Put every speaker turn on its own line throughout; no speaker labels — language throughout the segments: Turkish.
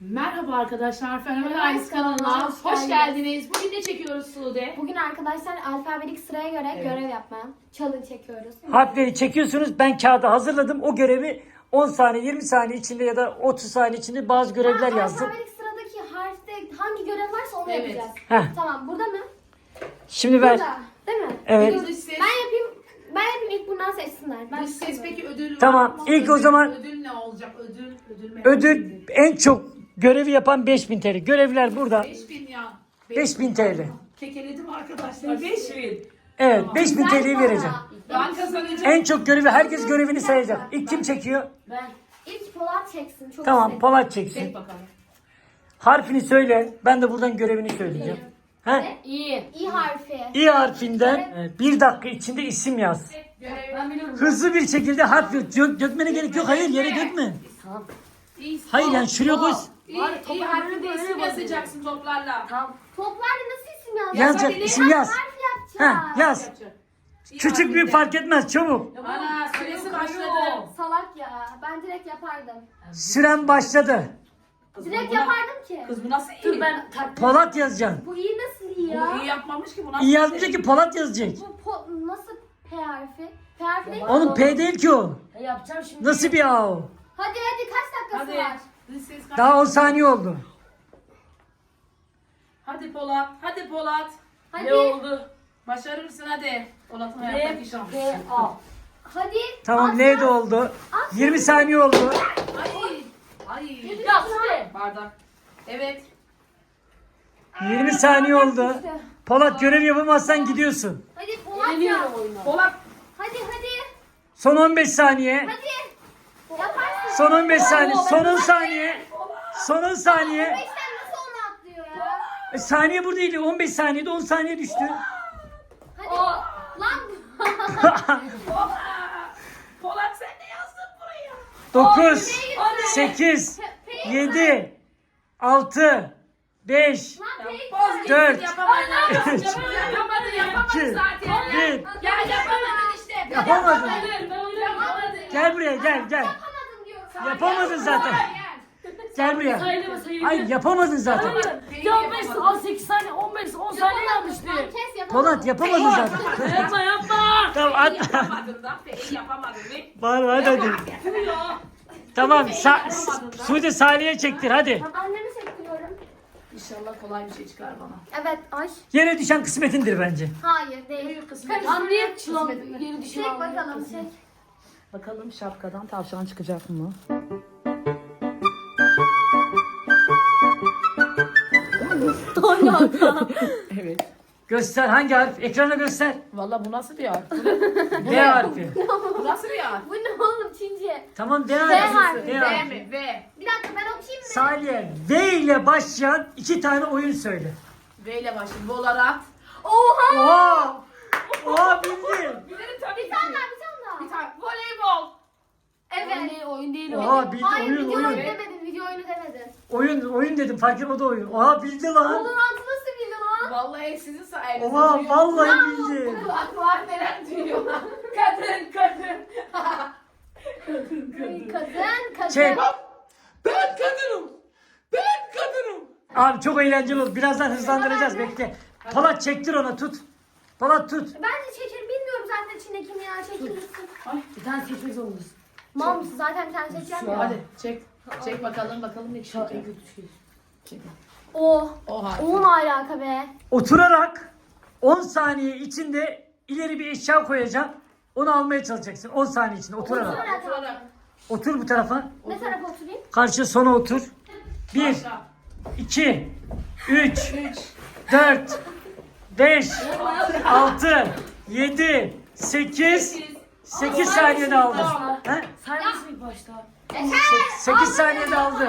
Merhaba arkadaşlar, Fenomen
Merhaba
Ailesi kanalına hoş
geldiniz.
geldiniz. Bugün ne çekiyoruz Sude?
Bugün arkadaşlar alfabetik sıraya göre görev yapmaya challenge çekiyoruz.
Harfleri çekiyorsunuz. Ben kağıda hazırladım. O görevi 10 saniye, 20 saniye içinde ya da 30 saniye içinde bazı görevler yazdım.
Alfabetik sıradaki harfte hangi görev varsa onu
Evet.
yapacağız.
Heh.
Tamam, burada mı?
Şimdi ver.
Burada. Değil mi?
Evet.
Dış ses.
Ben yapayım ilk bundan seçsinler. Ben
Dış ses peki ödül var
Tamam,
mı?
ilk o zaman-
Ödül ne olacak? Ödül mü?
Ödül en çok görevi yapan 5000 TL. Görevler burada.
5000 ya.
5000 TL.
Kekeledim arkadaşlar. 5000.
Evet, 5000 TL'yi vereceğim.
Ben kazanacağım.
En çok görevi, herkes görevini sayacak. İlk kim çekiyor?
Ben. İlk Polat çeksin. Çok
Tamam,
istedim.
Polat
Çek
çeksin.
bakalım.
Harfini söyle. Ben de buradan görevini söyleyeceğim. He?
İyi. İ harfi.
İ harfinden 1 dakika içinde isim yaz.
Görev.
Hızlı bir şekilde harf dökmene gerek yok. Hayır, yere dökme.
İyi.
Hayır, yani şuraya koy.
İyi harfinde isim yazacaksın toplarla.
Toplarla nasıl isim yazacağız?
Yazacak,
Yazabilir.
isim yaz.
Harf yapacağız.
Ha, yaz.
İyi
Küçük büyük
harfinde.
fark etmez, çabuk.
Ana süresi başladı.
Salak ya. Ben direkt yapardım.
Süren başladı.
Kız
Direkt
bu na-
yapardım ki.
Kız bu nasıl iyi?
Polat yazacaksın.
Bu iyi nasıl iyi
Bu
ya?
iyi yapmamış ki bu nasıl
İyi yazmayacak ki Polat yazacak.
Bu nasıl P harfi? P harfi değil mi?
Oğlum P değil ki o.
Yapacağım şimdi.
Nasıl bir A o?
Hadi kaç dakikası
Hadi.
var?
Dış ses kaç-
Daha 10 saniye oldu.
Hadi Polat. Hadi Polat.
Hadi.
Ne oldu?
Başarır mısın hadi. Polat'ın hayattaki şansı.
P, A.
Hadi.
Tamam,
At
L
ya.
de oldu. 20 saniye oldu.
Ay. Ay.
Ya Sude.
Bardak. Evet.
20 saniye oldu.
İşte.
Polat, görev yapamazsan gidiyorsun.
Hadi Polat ya.
Yeniyorum oyunu.
Polat.
Hadi.
Son 15 saniye.
Hadi. Yaparsın.
Son 15 saniye. Son 10 saniye. Son 10 saniye.
5'ten nasıl onu atlıyor ya?
Saniye burada değil. 15 saniyede 10 saniye düştü.
Hadi. Lan.
Polat sen ne yazdın buraya?
9, 8, 7, 6, 5,
Lan P'yi
Boz gitsin,
4,
yapamadın.
üç,
Yapamadın
2,
zaten.
1.
Ya yapamadın işte.
Yapamadın.
Yapamadın.
Gel buraya, gel.
yapamadın diyor.
Yapamadın zaten. Gel buraya.
Sayılır sayılır.
Ay, yapamadın zaten.
Ya 15 18 saniye 15 10 saniye yanlıştı.
Lan kes yapamadın.
Polat, yapamadın zaten.
Yapma yapma.
Tamam, at.
Yapamadın da. Peki yapamadın.
Var, hadi. Tamam, Sude Salih'e çektir, hadi.
Annemi sektiriyorum.
İnşallah kolay bir şey çıkar bana.
Evet Ay.
Yere düşen kısmetindir bence.
Hayır değil.
Büyük kısmet.
Lan niye çılan geri düşüyor?
Çek bakalım çek.
Bakalım şapkadan tavşan çıkacak mı? Evet.
Göster, hangi harf? Ekrana göster.
Valla bu nasıl bir harf?
D harfi.
Bu nasıl bir harf?
Bu ne oğlum Çince?
Tamam, D
harfi.
harfi. D
V
harfi.
mi? V.
Bir dakika ben okuyayım mı?
Salih'e V ile başlayan 2 tane oyun söyle.
V ile başlayayım. Volarat.
Oha!
Oha! Oha, bildin.
Bilirim tabii
Bir tane daha.
Bir tane. Voleybol.
Evet.
Oyun değil o.
Oha, bildi.
Hayır
Oyun,
video oyunu
oyun.
demedin. Video oyunu demedin.
Oyun dedim, fark etmedi oyun. Oha, bildi lan.
Valorant'ı nasıl bildin lan?
Vallahi sizin sayenizde.
Oha,
duyuyorum.
vallahi bildi.
Kulak var neler duyuyor. Kadın kadın.
Kadın.
Çek.
Ben kadınım. Ben kadınım.
Abi çok eğlenceli oldu. Birazdan hızlandıracağız, bekle. Polat, çektir ona, tut. Polat, tut.
Ben de çekerim. Bilmiyorum zaten içindekini ya. Çekilirsin.
Bir tane seçmek zorundasın.
Mal mısın? Zaten bir tane seçeceğim ya.
Hadi çek. Çek bakalım ne
Şu an en
çıkacak.
kötü şey.
Çek.
O.
Oha.
O ne alaka be?
Oturarak 10 saniye içinde ileri bir eşya koyacağım. Onu almaya çalışacaksın. 10 saniye içinde oturarak.
Oturarak.
Otur bu tarafa.
Ne tarafa oturayım?
Karşı sona otur. 1,
Başla.
2, 3, 4, 5, 6, 7, 8, 8 saniyede aldı. He?
Saymasın ilk başta.
8 saniyede aldı.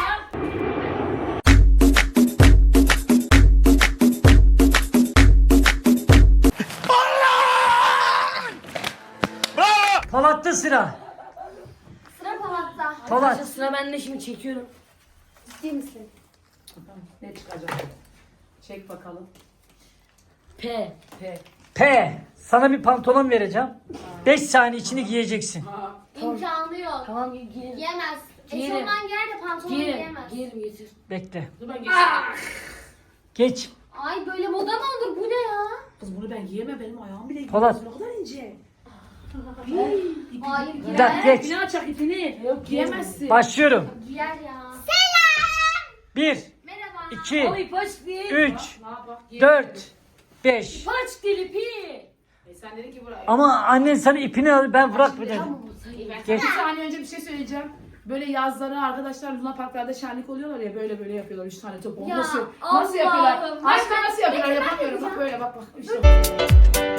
Polat'ta sıra.
Sıra Polat'ta.
Polat.
Arkadaşlar sıra bende şimdi çekiyorum.
Ciddi misin?
Ne çıkacak? Çek bakalım.
P.
P.
P. Sana bir pantolon vereceğim. 5 saniye içinde giyeceksin.
Ha.
İmkanı yok.
Tamam giyelim.
Yemez. Eşofman giyer de pantolon
Giyerim.
giyemez.
Giyerim getir.
Bekle.
Dur ben geçeyim.
Geç.
Ay böyle moda mı olur? Bu ne ya?
Kız bunu ben giyemem. Benim ayağım bile
Polat.
Ne kadar ince.
Hayır
Bir dakika
giyer.
geç.
İpini açak ipini. Yok giyemezsin.
Başlıyorum.
Giyer ya.
1,
Merhaba.
2,
Oy paç değil.
3,
Ne yapak?
4, 5.
Paç değil ipi. Sen dedin ki buraya.
Ama annen sana ipini al, ben bırak bir dedim. Geç.
Bir saniye önce bir şey söyleyeceğim. Böyle yazları arkadaşlar Luna Parklarda şenlik oluyorlar ya böyle yapıyorlar 3 tane top.
Ya,
Nasıl
Allah'ım.
yapıyorlar? Aşkım
Ben-
nasıl yapıyorlar?
ben
Yapamıyorum. Bak
yapacağım.
böyle bak. İşte.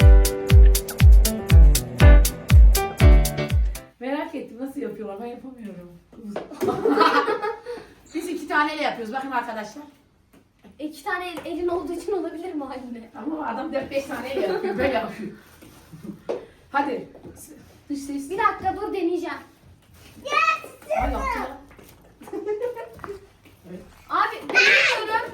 Merak ettim nasıl yapıyorlar? Ben yapamıyorum. Biz 2 taneyle yapıyoruz. Bakın arkadaşlar.
2 tane elin olduğu için olabilir mi anne?
Ama adam 4-5 taneyle yapıyor. Böyle yapıyor. Hadi. Dış ses.
Bir dakika dur deneyeceğim.
Ay yaptı.
Abi deniyorum.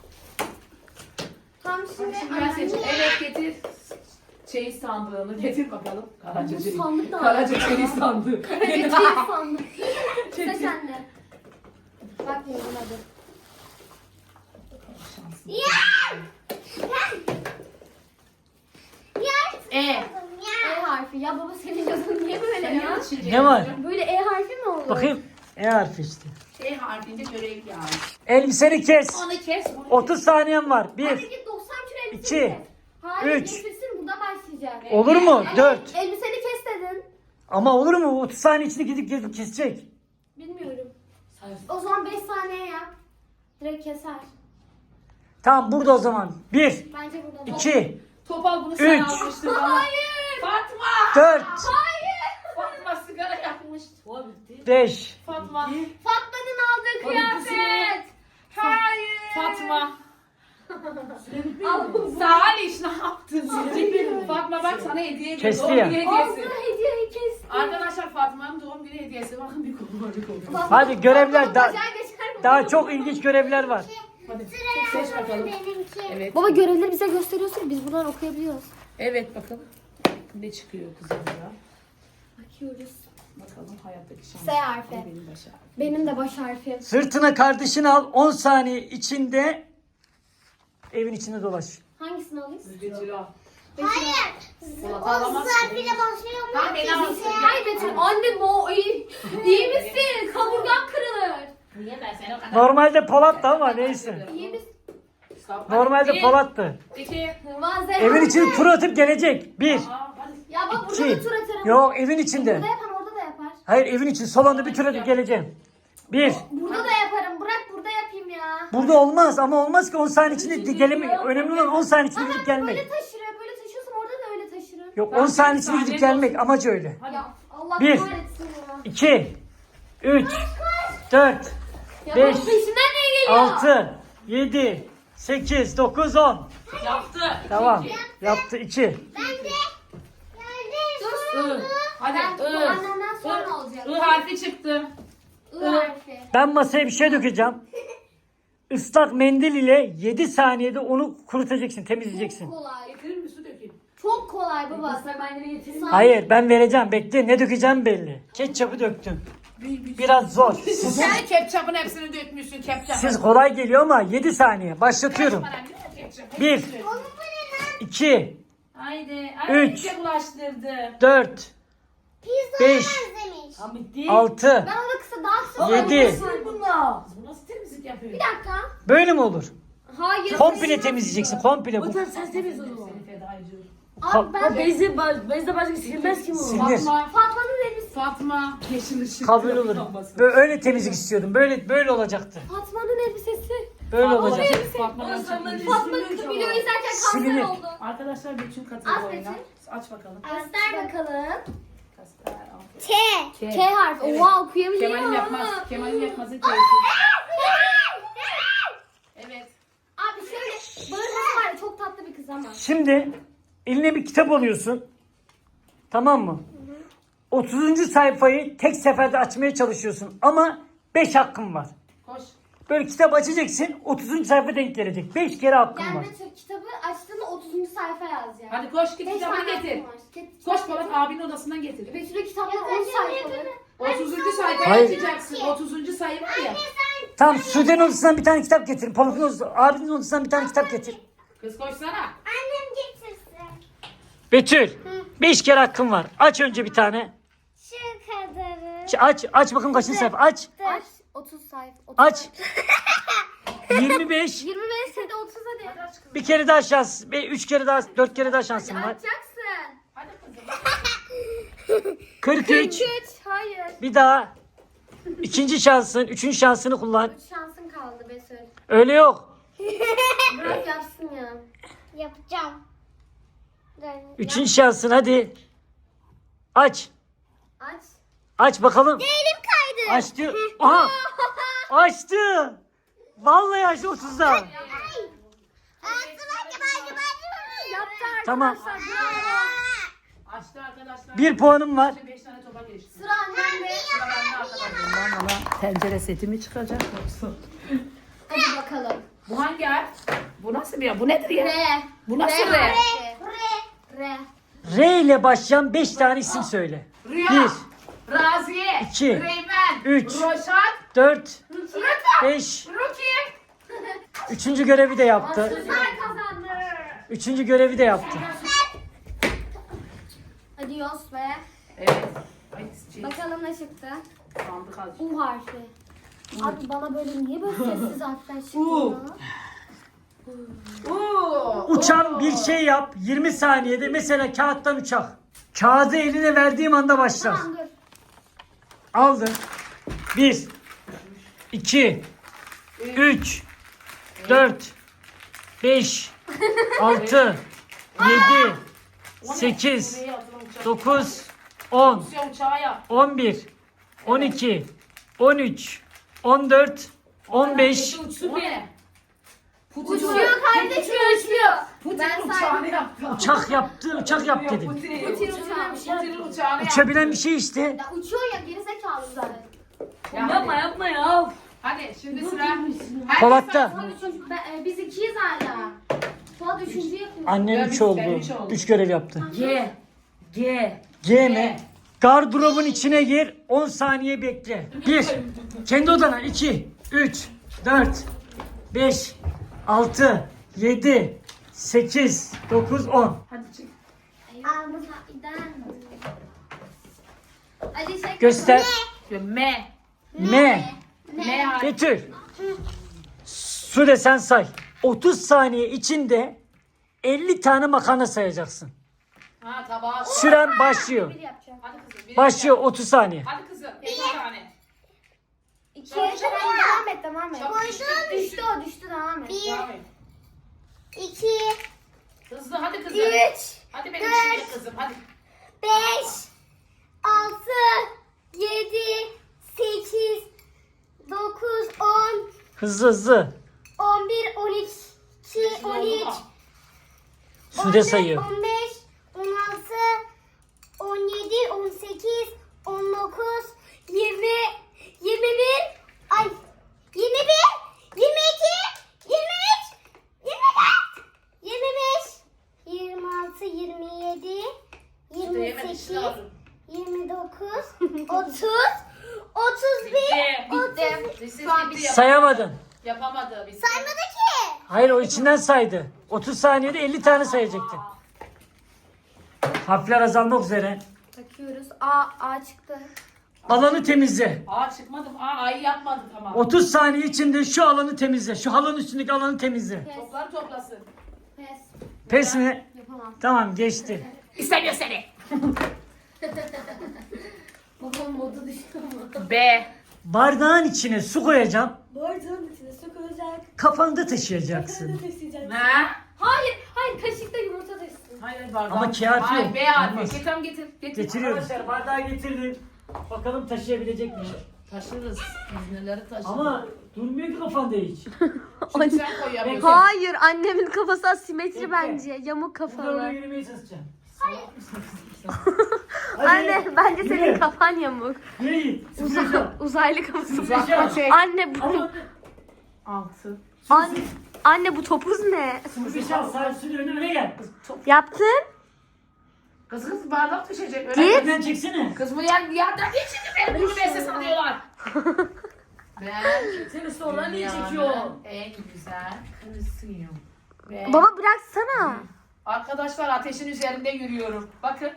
Tam şimdi
Şimdi ben seçeceğim. Evet getir. Çeyiz sandığını getir bakalım. Karaca
Bu
çeyiz.
sandık da var.
Karaca çeyiz sandığı.
Evet çeyiz sandım. Sıra
Çeyiz.
sende. Bakmıyorum hadi.
E.
E harfi. Ya baba senin yazın niye böyle ya?
Ne var?
Böyle E harfi mi olur?
Bakayım. E harfi işte.
E harfinde görev yani.
Elbiseni kes.
Onu kes. Bunu
30 saniyen var. 1,
Hadi git 90 kilo elbiseni
İki,
kes. Hayır
üç.
elbisesini burada başlayacak.
olur mu? 4.
Elbiseni kes dedin.
Ama olur mu? 30 saniye içinde gidip kesecek.
Bilmiyorum. O zaman 5 saniye yap. Direkt keser.
Tamam burada o zaman. 1,
Bence burada.
2,
Topal bunu sen
Üç.
almıştın bana.
Hayır.
Fatma.
4,
Fatma sigara yakmış. O bitti.
5.
Fatma.
Fatma'nın aldığı
Hadi
kıyafet. Hayır.
Fatma. Salih ne yaptın? Fatma bak sana hediye ediyor.
Kesti
Doğum
ya.
günü
Aldığı
hediyesi.
hediyeyi kesti.
Arkadaşlar Fatma'nın doğum günü hediyesi. Bakın bir kolu var bir kolu. var.
Hadi görevler
Fatma
daha,
bacağı geçer mi?
daha çok ilginç görevler var.
Hadi seç bakalım. Evet.
Baba görevleri bize gösteriyorsun. Biz buradan okuyabiliyoruz.
Evet bakalım. Ne çıkıyor kızım ya?
Bakıyoruz.
Bakalım hayattaki şans.
S harfi.
Benim başa.
Benim de baş harfim.
Sırtına kardeşini al. 10 saniye içinde evin içinde dolaş.
Hangisini alayım?
Betül al.
Hayır.
Polat alamazsın.
başlıyor
Tamam beni alsın.
Hayır Betül. Annem o iyi. İyi misin? Kaburgan kırılır.
Niye ben seni o kadar...
Normalde Polat'tı ama neyse.
İyi misin?
Normalde Polat'tı.
2.
Malzeme.
Evin içine tur atıp gelecek. 1,
Ya bak burada
2.
da tur atarım.
Yok evin içinde.
Burada yapan orada da yapar.
Hayır evin için salonda bir tur atıp geleceğim. 1.
Burada da yaparım. Bırak burada yapayım ya.
Burada olmaz ama olmaz ki 10 saniye içinde gelmek. Önemli olan 10 saniye içinde gidip gelmek.
Böyle taşırım. Böyle taşıyorsam orada da öyle taşırım.
Yok 10 saniye içinde gidip gelmek amacı öyle.
Ya Allah
Bir.
kahretsin ya.
2, 3, 4,
Ya
5,
bunun peşinden niye geliyor?
6, 7, 8, 9, 10.
Yaptı.
Tamam. Yaptı 2.
Dur.
Hadi
Ben bu annemden sonra olacak.
I harfi çıktı.
I harfi.
Ben masaya bir şey dökeceğim. Islak mendil ile 7 saniyede onu kurutacaksın, temizleyeceksin.
Çok kolay.
Getirir mi su dökeyim?
Çok kolay baba.
Islak mendili getireyim.
Hayır ben vereceğim. Bekle ne dökeceğim belli. Ketçapı döktüm. Biraz zor.
Sen ketçapın hepsini dökmüşsün ketçap.
Siz kolay geliyor ama 7 saniye. Başlatıyorum. 1, 2,
Haydi.
Üç.
iyice bulaştırdı.
4, 5,
Tamam bitti.
6.
Ben onu kısa daha kısa.
Yedi.
Bunlar. Bu nasıl temizlik yapıyor?
Bir dakika.
Böyle mi olur?
Hayır.
Komple temizleyeceksin. Komple bu.
Sen temiz ol. Seni feda ediyorum.
Abi ben
Bezde başka silmez ki bu.
Sinir.
Fatma'nın elbisesi.
Fatma yeşil ışık.
Kabul olur. Böyle öyle temizlik istiyordum. Böyle olacaktı.
Fatma'nın elbisesi.
Böyle olacak.
Fatma'dan
Fatma
çıkıyor.
video izlerken kanser
Silinir.
oldu.
Arkadaşlar bütün
Aç
katıldı oyuna.
Betül.
Aç bakalım.
Göster bakalım.
Kasper, al.
K harfi.
Evet.
Oha okuyamayacağım.
Kemal'in yapmaz. Kemal'in yapmazı teyze. Evet.
Abi şöyle bağırması var ya çok tatlı bir kız ama.
Şimdi eline bir kitap alıyorsun. Tamam mı? 30. sayfayı tek seferde açmaya çalışıyorsun. Ama 5 hakkın var.
Koş.
Böyle kitap açacaksın. 30. sayfa denk gelecek. 5 kere hakkın
Yani
var.
Betül kitabı açtığında 30. sayfa yazacak.
Hadi koş git
Beş
kitabını
tane
getir.
hakkım var.
Koş Polat abinin odasından getir.
Betül'ün kitapları 10 sayfalı.
30. sayfayı
Hayır.
açacaksın. 30. sayı var ya.
Tamam, Sude'nin odasından bir tane kitap getir. Pamuk'un odasından, abinin odasından bir tane kitap getir.
Kız koşsana.
Annem getirsin.
Betül, 5 kere hakkın var. Aç önce bir tane.
Şu kadarı.
Aç bakalım kaçıncı sayfa. Aç.
Aç. 30 sayfa. 30
Aç. 25.
25 hadi 30 hadi.
Bir kere daha şans. 3 kere daha, 4 kere daha şansın var.
Açacaksın.
Hadi kızım.
43.
43. Hayır.
Bir daha. İkinci şansın, üçüncü şansını kullan.
3 şansın kaldı Betül.
Öyle yok.
Bırak yapsın ya.
Yapacağım.
Üçüncü şansın, hadi. Aç.
Aç.
Aç bakalım.
Elim kaydı.
Aç diyor. Aha. Açtı. Vallahi açtı 30'da.
Ağzıma acaba.
Yaptı
Tamam.
arkadaşlar. Bravo.
Açtı arkadaşlar.
1 puanım var.
5 tane topa geçti.
Sıra annemde.
Sıra bende arkadaşlar. Bana tencere seti mi çıkacak yoksa?
Hadi bakalım.
Bu hangi harf? Bu nasıl bir ya? Bu nedir ya?
R.
Bu nasıl R?
R.
R ile başlayan 5 tane isim söyle.
Rüya.
1,
Raziye.
2,
Reymen.
3,
Roşat.
4,
Rıta.
5.
Rukiye.
Üçüncü görevi de yaptı.
Kızlar kazandı.
Üçüncü görevi de yaptı.
Hadi Yos be.
Evet. Ay,
Bakalım ne çıktı.
sandık azıcık.
U harfi. Abi bana böyle niye böyle sessiz harfler çıktı
U.
ya?
Uçan bir şey yap. 20 saniyede mesela kağıttan uçak. Kağıdı eline verdiğim anda başlar.
Tamam dur.
Aldın. 1, 2, 3, 4, 5, 6, 7, 8, 9, 10,
Rusya uçağı yap.
11, 12, 13, 14, 15.
Uçsun ne? Putin
Uçuyor kardeşim uçuyor.
Putin
Ben
uçağını
saydım.
yaptı.
Uçak yaptı, uçak yap dedim.
Putin
Putin uçağı.
Putin uçağını yaptı.
Uçabilen bir şey işte.
Ya uçuyor ya gerizekalı zaten.
Yapma ya.
Hadi şimdi sıra. Herkes
Polat'ta.
saysın.
Son üçüncü, biz ikiyiz hala. Fuat üçüncü yapıyor.
Annem
Ben
3
üç,
oldu.
ben üç oldum.
3 görev yaptı.
G.
G mi? Gardırobun içine gir. 10 saniye bekle. 1. Kendi odana. 2, 3, 4, 5, 6, 7, 8, 9, 10.
Hadi çık.
Hadi çek.
Göster.
M.
M.
M harfi.
Betül. Su desen say. 30 saniye içinde 50 tane makarna sayacaksın.
Ha tabağı.
Süren başlıyor.
Bir yapacağım.
Hadi kızım. bir
Başlıyor 30 saniye.
Hadi kızım. Bir tane.
İki.
Çabuk, çabuk.
Devam et devam et.
Çabuk.
Düştü o düştü devam et.
Devam et.
2,
Hızlı hadi kızım.
3,
Hadi benim şimdi kızım hadi.
5, 6, 7, 8, 9, 10,
Hızlı hızlı.
11, 12, 13,
Sude sayıyor.
15, 16, 17, 18, 19, 20, 21, ay 21, 22, 23, 24, 25, 26, 27,
Sude yemek
28,
işini alın.
29, 30, 31,
Bitti.
Lise
Şu an
bitti,
Sayamadın.
yapamadı. Bitti.
saymadı ki.
Hayır, o içinden saydı. 30 saniyede 50 tane sayacaktın. Harfler azalmak üzere.
Takıyoruz. A çıktı.
Alanı temizle.
Aa çıkmadım. A'yı yapmadı tamam.
30 saniye içinde şu alanı temizle. Şu halının üstündeki alanı temizle.
Pes.
Toplar toplasın.
Pes.
Pes mi?
Yapamam.
Tamam, geçti.
İstemiyor seni.
Babam modu düştü ama.
B.
Bardağın içine su koyacağım.
Bardağın içine su koyacak.
Kafanda taşıyacaksın.
taşıyacak.
Ne?
Hayır kaşıkta yumurta taşısın.
Hayır bardağı.
Ama kağıt
Hayır,
yok.
B harfi.
Olmaz.
Getir getir.
Getiriyorum. Arkadaşlar, bardağı getirdim. Bakalım taşıyabilecek miyim?
Taşırız. Biz neleri taşırız.
Ama durmuyor ki kafanda hiç.
Şimdi sen koyamıyorsun.
Hayır annemin kafası asimetri
Bekle.
bence. Yamuk
Burada oraya
kafalı.
yürümeye çalışacağım.
Anne bence senin
Yürü.
kafan yamuk.
Yürü git. Sıfırlayacağım.
Uzaylı kafası.
Sıfırlayacağım.
Çek.
Anne bu
Ama
6.
anne bu topuz ne?
sıfırlayacağım. Sarsın önüne gel.
Yaptın?
Kız bardak düşecek. Öyle
Git.
Ben çeksene.
Kız bu yerden geçince beni bunu mesle sanıyorlar. Ben
Seni sonra niye çekiyor?
en güzel karısıyım. Ve
Baba bıraksana.
arkadaşlar ateşin üzerinde yürüyorum. Bakın.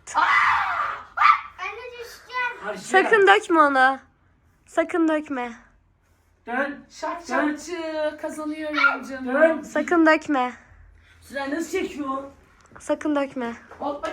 Anne düşeceğim.
Karşıya.
Sakın dökme onu. Sakın dökme.
Dön.
Şak şakçı kazanıyorum canım.
Dön.
Sakın dökme.
Sıra nasıl çekiyor?
Sakın dökme.
Hoppa.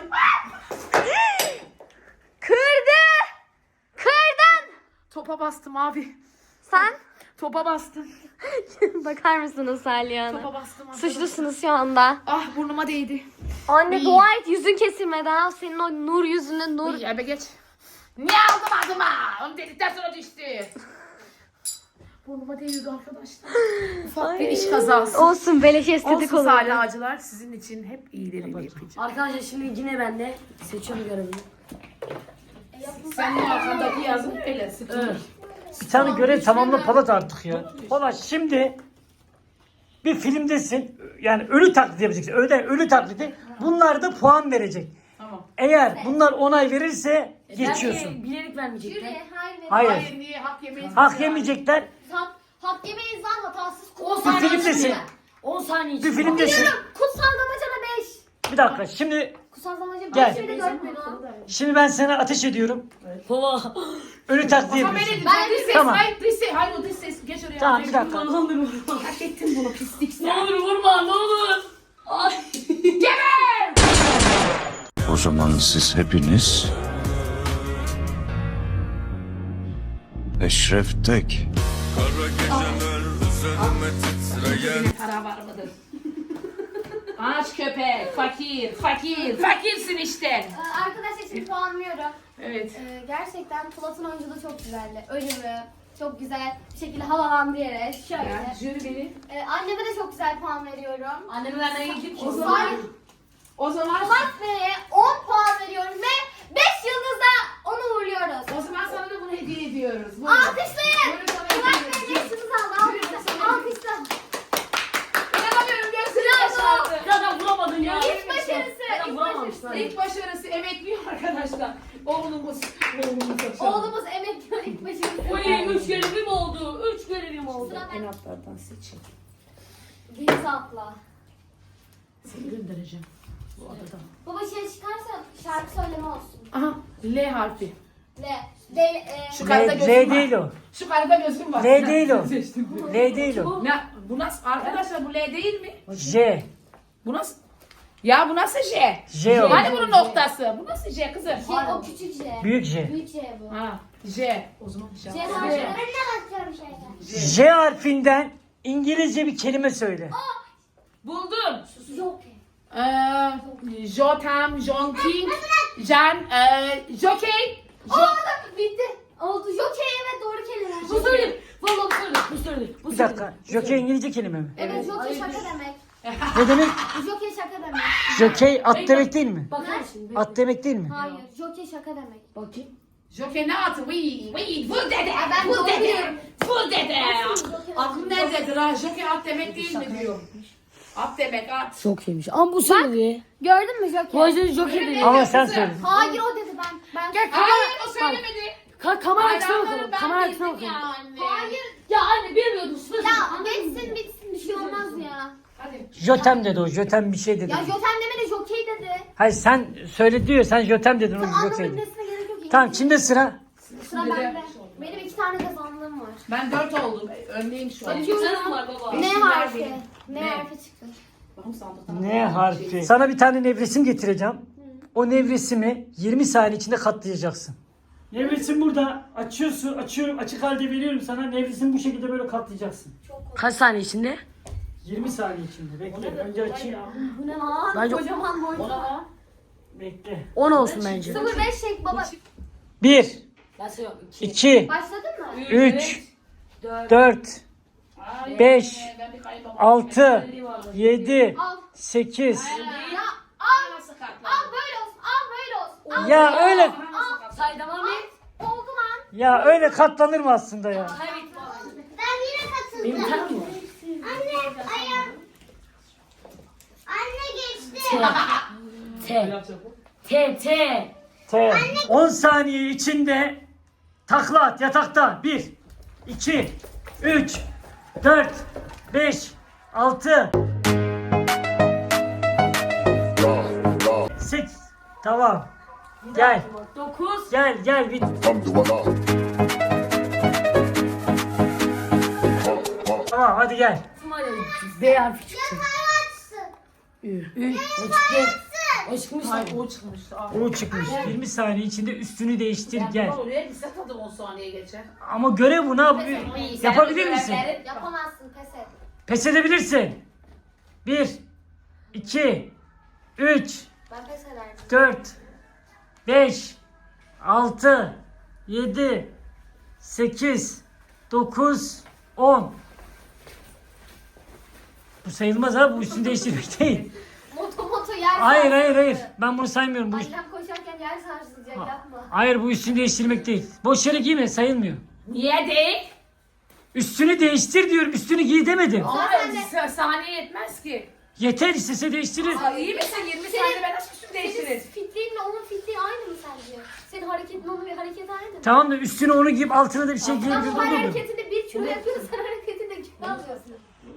Kırdı. Kırdın.
Topa bastım abi.
Sen
Topa bastım.
bakar mısınız Salih Hanım?
Topa bastım.
Suçlusunuz şu anda.
Ah burnuma değdi.
Anne dua et yüzün kesilmedi ha. Senin o nur yüzünde nur.
Uy ebe geç. Niye aldım adıma? Onu dedikten sonra düştü. Burnuma değdi arkadaşlar. Ufak bir iş kazası.
Olsun beleş estetik
Olsun
olur.
Salih Ağacılar sizin için hep iyilerini yapacağım.
Arkadaşlar şimdi yine ben de seçiyorum görevimi.
Senin arkandaki yazın öyle sıkıntı.
Bir tane görev tamamla Polat artık ya. Polat şimdi bir filmdesin. Yani ölü taklidi yapacaksın. Ölü taklidi. Bunlar da puan verecek.
Tamam.
Eğer bunlar onay verirse geçiyorsun.
Belki bilerek vermeyecekler.
Hayır.
Hayır niye hak yemeyiz?
Hak yemeyecekler.
Hak yemeyiz lan hatasız.
10
Bir
saniye
filmdesin.
içinde. 10 saniye
Bir
içinde.
filmdesin.
Kutsal damacana 5.
Bir dakika. Kutsal
Damacana
Gel.
5 de görmedim.
Şimdi ben sana ateş ediyorum.
Baba.
Ölü taklidi
Tamam
yapıyorsun.
ben dış ses.
Tamam.
Hayır dış ses. Hayır o dış ses. Geç oraya.
Tamam bir dakika.
Ne olur vurma.
Hak ettin bunu pislik sen.
Ne olur vurma ne olur. Ay.
O zaman siz hepiniz Eşref Tek.
Yine para var mıdır? Aç köpek. Fakir. Fakir. Fakirsin işte.
Arkadaşlar şimdi puanlıyorum.
Evet.
Gerçekten Polat'ın oyunculuğu çok güzeldi. Ölümü çok güzel bir şekilde havalandı yere. Şöyle.
Ya, jüri beni.
Anneme de çok güzel puan veriyorum.
Annemi vermeye gidip
O zaman. O zaman.
Polat Bey'e 10 puan veriyorum ve 5 yıldızla onu uğurluyoruz.
O zaman sana da bunu hediye ediyoruz. Buyurun.
Alkışlayın.
Buyurun sana
Polat
hediye
Bey 5
ediyoruz.
yıldız aldı. Alkışla. Alkışla.
İnanamıyorum gözünü
Bravo.
yaşardı.
Zaten vuramadın ya.
İlk başarısı.
Zaten
İlk
vuramamışsın.
başarısı.
İlk başarısı emekliyor arkadaşlar. Oğlumuz.
Oğlumuz emekliyor ilk başarısı.
Oy 3 görevim oldu. 3 görevim oldu.
Sıra
En
ben.
altlardan seçin.
Deniz atla.
Seni göndereceğim. Bu adadan.
Baba şey çıkarsa şarkı söyleme olsun.
Aha. L harfi. Şu karada
L
gözüm
değil
var.
o.
Şu karada gözüm var.
L değil o.
Seçtim.
L değil o.
Ne? Bu nasıl? Arkadaşlar bu L değil mi?
J.
Bu nasıl? Ya bu nasıl J?
J o.
Hani bunun noktası? Bu nasıl J kızım?
Şey o küçük J.
Büyük J.
Büyük J bu.
Ha. J. O zaman J.
J harfi.
Ben de bakıyorum şeyden.
J harfinden İngilizce bir kelime söyle.
Buldum.
Yok.
Jotam, Jonking, Jan, Jockey.
Oldu. Bitti. Oldu. Jockey evet doğru kelime.
Bu söyleyeyim. Valla bu söyleyeyim. Bu söyleyeyim. Bu
Bir dakika. Jockey İngilizce kelime mi?
Evet jockey şaka demek.
Ne demek?
Jockey şaka demek.
Jockey at demek değil mi?
Bakar mısın?
At demek değil mi?
Hayır. Jockey şaka demek.
Bakayım.
Jockey ne atı? Vur dede.
ben
Vur
doğru
dede.
diyorum.
Vur dede.
Jockey.
Aklım nerededir ha? Jockey at demek değil mi diyor. At demek at.
Çok iyiymiş. Ama bu söyledi.
Gördün mü jockey?
Bu yüzden Joker dedi.
Ama sen söyle.
Hayır o dedi ben.
Hayır o söylemedi.
Kamera açısına
Hayranları
bakalım.
ben
Kamera açısına
bildim
bakalım.
yani.
Hayır.
Ya anne bilmiyordum. Sınıf.
Ya bitsin bir şey olmaz ya.
Hadi.
Jotem dedi o. Jotem bir şey dedi.
Ya joten demedi jockey dedi.
Hayır sen söyle diyor. Sen Jotem dedin. O
Tamam anlamı
Jockey.
bilmesine gerek yok.
Tamam kimde sıra?
Sıra bende. Benim 2 tane kazandığım var.
Ben 4 oldum. Önleyim şu an.
Senin var baba.
Ne
Beşinci
harfi?
benim.
Ne
Ne?
harfi çıktı?
Bakın sandıktan.
Ne harfi? Sana bir tane nevresim getireceğim. O nevresimi 20 saniye içinde katlayacaksın. Nevresim burada. Açıyorsun, açıyorum. Açık halde veriyorum sana. Nevresimi bu şekilde böyle katlayacaksın.
Kaç saniye içinde?
20 saniye içinde. Bekle. Önce açayım.
Bu ne lan?
Bence-
Kocaman boyutu.
Ona lan.
Bekle.
10 olsun bence.
05 çek baba.
1,
Ben söylüyorum.
2,
Başladın mı?
3,
4.
4,
Ay,
5,
ben bir kaybolmam.
6, 7,
Al.
8.
Ya al.
Nasıl katladın?
Al böyle olsun. Al böyle olsun. Al.
Ya öyle
Say devam et.
Oldu lan.
ya öyle katlanır mı aslında ya?
Kaybettim.
Ben yine katıldım.
Benim bir tane mi var?
Anne ayağım. Anne geçti.
T. T.
T. 10 saniye içinde takla at yatakta. 1, 2, 3, 4, 5, 6, 8. Tamam. Gel.
9.
Gel. Bir... Tamam hadi gel.
B harfi çıktı.
Açsın.
O çıktı. O çıkmış.
Hayır o çıkmıştı.
O çıkmış. 20 saniye içinde üstünü değiştir gel.
Oraya gitse tadı 10 saniye geçer.
Ama görev bu ne yapıyor? Yapabilir misin?
Yapamazsın, pes et.
Pes edebilirsin. 1, 2, 3,
Ben pes ederdim.
4, 5, 6, 7, 8, 9, 10. Bu sayılmaz ha, bu üstünü değiştirmek değil.
Moto yer
Hayır. Ben bunu saymıyorum. Bu,
Annem koşarken yer sarsılacak, yapma.
hayır bu üstünü değiştirmek değil. Boş yere giyme, sayılmıyor.
Niye değil?
Üstünü değiştir diyorum, üstünü giy demedim.
Ama saniye yetmez ki.
Yeter istese değiştirir.
Aa, iyi misin? 20 saniyede ben nasıl üstümü değiştiririz?
Fitliğinle onun fitliği aynı mı sence? Senin hareketin onun bir hareketi aynı mı?
Tamam da üstüne onu giyip altına da bir şey
Ama
giyebilir
o
olurdu.
hareketinde 1 kilo yapıyorsun, sen hareketinde kilo alıyorsun.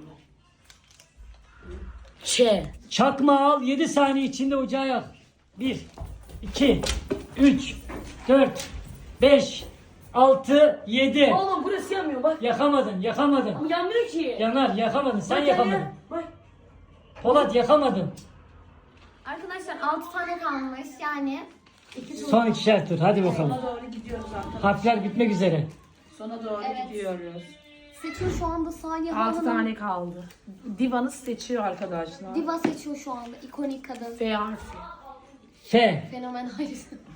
Ç.
Çakma al, 7 saniye içinde ocağa yak. 1, 2, 3, 4, 5, 6, 7.
Oğlum burası yanmıyor bak.
Yakamadın.
Bu yanmıyor ki.
Yanar, yakamadın. Sen
Bak
yakamadın.
yanıyor. Bak.
Polat yakamadın.
Arkadaşlar 6 tane kalmış yani.
Son 2'şer tur. Hadi bakalım.
Sona doğru gidiyoruz arkadaşlar.
Harfler bitmek üzere.
Sona doğru
Evet.
gidiyoruz.
Seçiyor şu anda Saniye
6
Hanım.
tane kaldı. Divan'ı seçiyor arkadaşlar.
Diva seçiyor şu anda. İkonik kadın.
F harfi.
F.
Fenomen hayır.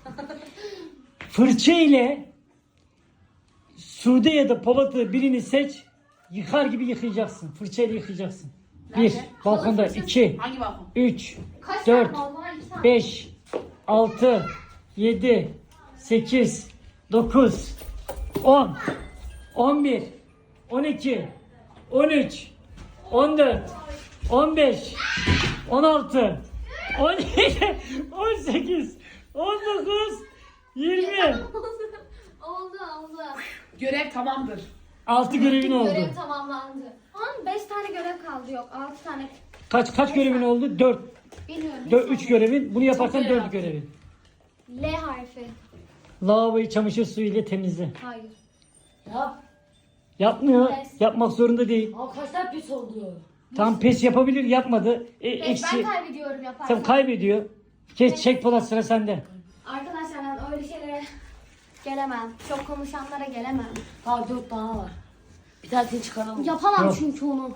Fırça ile Sude ya da Polat'ı birini seç. Yıkar gibi yıkayacaksın. Fırçayla yıkayacaksın. 1. Balkonda. 2.
Hangi balkon?
3.
Kaç
4,
tane balkon var? 2 tane.
5, 6, 7, 8, 9, 10, 11, 12, 13, 14, 15, 16, 17, 18, 19, 20.
Oldu.
Görev tamamdır.
6 görevin oldu.
Görev tamamlandı. Ama 5 tane görev kaldı, yok 6 tane.
Kaç görevin oldu? 4.
Bilmiyorum.
3 görevin. Bunu yaparsan
Çok görev
4 görevin.
L harfi.
Lavaboyu çamaşır suyu ile temizle.
Hayır.
Ya.
Yapmıyor.
Pes.
Yapmak zorunda değil.
Aa, kaç tane pis oldu?
Tam pes yapabilir, yapmadı.
Ben
Eksi.
kaybediyorum yaparsam.
Tam kaybediyor. Çek Polat, sıra sende.
Arkadaşlar ben öyle şeylere gelemem. Çok konuşanlara gelemem.
Daha 4 tane var. Bir tanesini çıkaralım.
Yapamam
Yok.
çünkü onu.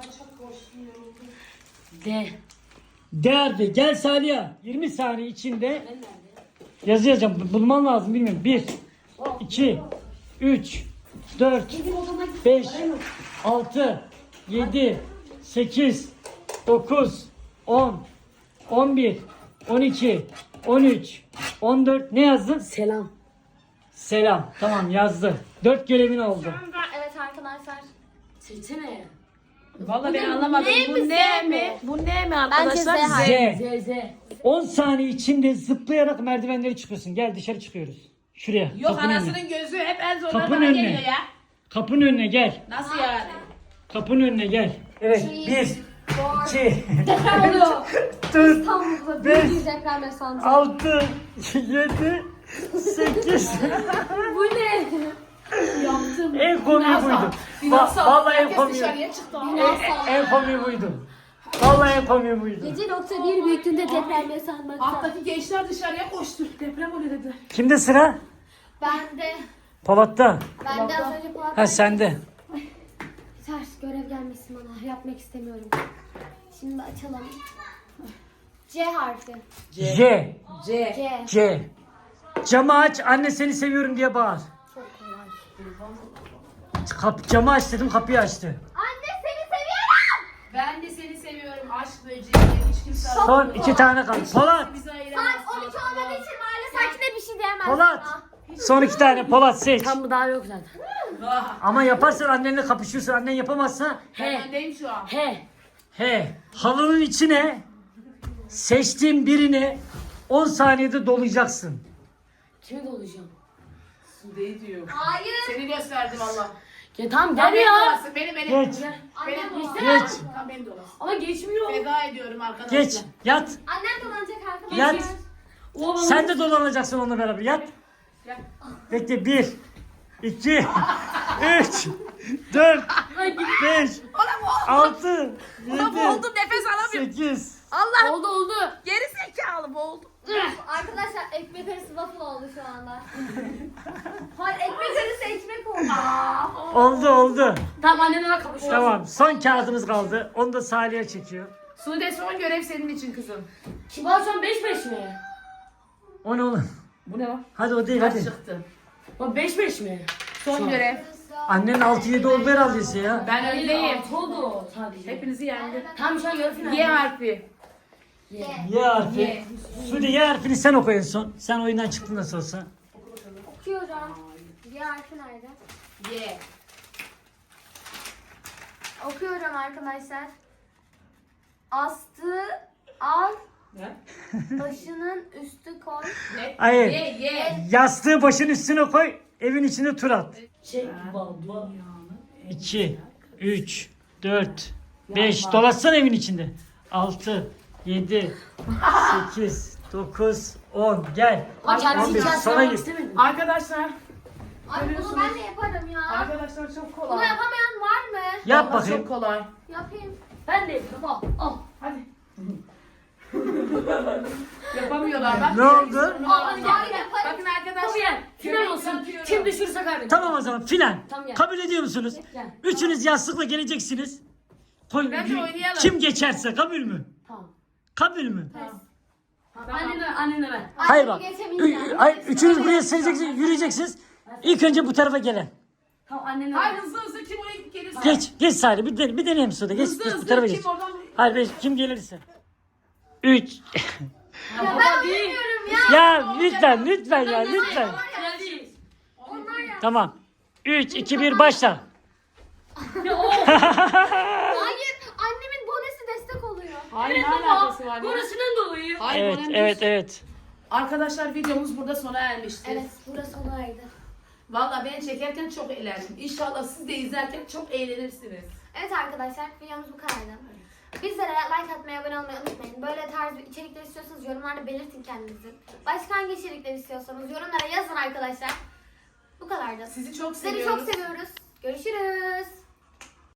D.
Değerli. Gel Saliha. 20 saniye içinde yazı yazacağım. Bulman lazım, bilmiyorum. 1, 2, 3, 4, 5, 6, 7, 8, 9, 10, 11, 12, 13, 14. Ne yazdın?
Selam.
Selam. Tamam, yazdı. 4 görevin oldu.
Evet arkadaşlar.
Seçsene.
Vallahi ben anlamadım.
Ne
Bu
mi,
ne
Z
mi?
mi?
Bu ne mi
Bence Z
arkadaşlar?
harfi.
Z.
Z.
10 saniye içinde zıplayarak merdivenleri çıkıyorsun. Gel dışarı çıkıyoruz. Şuraya.
Yok
kapının önüne.
anasının gözü hep en zorları
Kapının
bana
önüne.
geliyor ya.
Kapının önüne gel.
Nasıl yani?
Kapının önüne gel. Evet. 1, 2,
Deprem oluyor.
4,
İstanbul'da
Beş.
büyük bir deprem yaşandı.
6, 7, 8.
Bu ne? Yaptım.
En komiği buydu. Vallahi en komiği.
Dışarıya çıktı.
En komiği buydu. Vallahi en komiği buydu.
7.1 büyüklüğünde deprem yaşanmakta.
Alttaki gençler dışarıya koştu. Deprem oluyor dedi.
Kimde sıra?
Ben
Polat'ta.
de az önce Polat.
Ha sende.
Ters görev gelmesin bana. Yapmak istemiyorum. Şimdi açalım. C harfi.
J.
C.
C.
C. Camı aç, anne seni seviyorum diye bağır.
Çok kolay.
Camı aç dedim, kapıyı açtı.
Anne seni seviyorum.
Ben de seni seviyorum. Aşk böceği. Hiç kimse
Son 2 tane kaldı. Polat.
bizi
Saat
ayıramaz.
12 olmadığı için mahalle sakine bir şey diyemezsin.
Polat.
bana.
Son 2 tane. Polat seç.
Tam bu daha yok zaten.
Ama yaparsan annenle kapışıyorsun. Annen yapamazsa
Ben öndeyim şu an.
He.
he. Halının içine seçtiğim birini 10 saniyede dolayacaksın.
Kimi dolacağım?
Sude'yi diyor.
Hayır.
Seni gösterdim Allah.
Ya tamam
Tamam,
gel
beni
ya.
dolasın. Beni.
Geç.
Annem dolanacak.
Geç.
Tamam beni dolasın.
Ama geçmiyor.
Feda ediyorum arkadaşlar.
Geç. Yat.
Annem dolanacak arkadaşlar.
Yat.
O bana
Sen de dolanacaksın onunla beraber. Yat.
Gel.
Bekle. 1, 2, 3, 4, 5, 6, 7,
Boğuldum, nefes alamıyorum.
8.
Allah.
oldu.
Geri zekalı boğuldum.
Arkadaşlar ekmek arası waffle oldu şu anda. Hayır ekmek arası ekmek oldu.
Oldu.
Tamam annenle kapışıyoruz.
Tamam. Son kağıdımız kaldı. Onu da Salih'e çekiyor.
Sude son görev senin için kızım.
Kibar şu an 5-5 mi?
O ne oğlum?
Bu ne lan?
Hadi o değil
Kaç
hadi.
çıktı?
Bak 5-5 mi?
Son görev.
Annen 6-7 oldu herhalde ya.
Ben öndeyim.
Oldu sadece.
Hepinizi yendim.
Tam şu an yarı final.
Y harfi.
Y harfi. Sude Y harfini sen oku en son. Sen oyundan çıktın nasıl olsa.
Okuyorum. Bir harfi nerede?
Y.
Okuyorum arkadaşlar. Astı al,
Ne?
başının üstü koy.
Ne?
Hayır.
Y.
Yastığı başın üstüne koy. Evin içine tur at.
Çek baba.
2, 3, 4, 5. Dolaşsana evin içinde. 6, 7, 8, 9, 10. Gel.
Bak kendisi
11.
hikayesi
Sana
yapmak
git.
istemedim.
Arkadaşlar.
Ay bunu ben de yaparım ya.
Arkadaşlar çok
Bunu
kolay.
yapamayan var mı?
Yap
Vallahi
bakayım.
Çok kolay.
Yapayım.
Ben de yapıyorum. Al.
Hadi. Yapamıyorlar bak.
Ne oldu?
Hayır yaparım.
Bakın arkadaşlar.
Tabii gel. Final olsun. Kim düşürse kaybeder.
Tamam o zaman final.
Tamam, gel.
Kabul ediyor musunuz?
Gel.
Üçünüz yastıkla geleceksiniz. Koy,
Bence oynayalım.
kim geçerse kabul mü?
Tamam.
Kabul mü?
Annenle ben.
Hayır bak.
Geçemeyeceğim.
Hayır, üçünüz buraya sileceksiniz, yürüyeceksiniz. İlk önce bu tarafa gelen.
Tamam annenle
Hayır
ben.
hızlı kim oraya gelirse.
Geç Salih bir deneyelim sonra. Geç,
Hızlı
geç bu
hızlı
tarafa
kim
geç.
oradan.
Hayır kim gelirse. 3.
Ya ben oynamıyorum ya.
Ya lütfen ya lütfen.
Final değil.
Onlar ya.
Tamam. 3, 2, 1 başla.
Hayır annemin bonesi destek oluyor.
Hayır
Evet
ne
baba.
alakası var ya?
Burasından dolayı.
Hayır,
Evet
önemli
evet
değil.
evet.
Arkadaşlar videomuz burada sona ermiştir.
Evet burası olaydı.
Valla ben çekerken çok eğlendim. İnşallah siz de izlerken çok eğlenirsiniz.
Evet arkadaşlar videomuz bu kadardı. Bizlere like atmayı, abone olmayı unutmayın. Böyle tarz bir içerikler istiyorsanız yorumlarda belirtin kendinizi. Başka hangi içerikler istiyorsanız yorumlara yazın arkadaşlar. Bu kadardı.
Sizi çok
Sizleri
seviyoruz.
çok seviyoruz. Görüşürüz.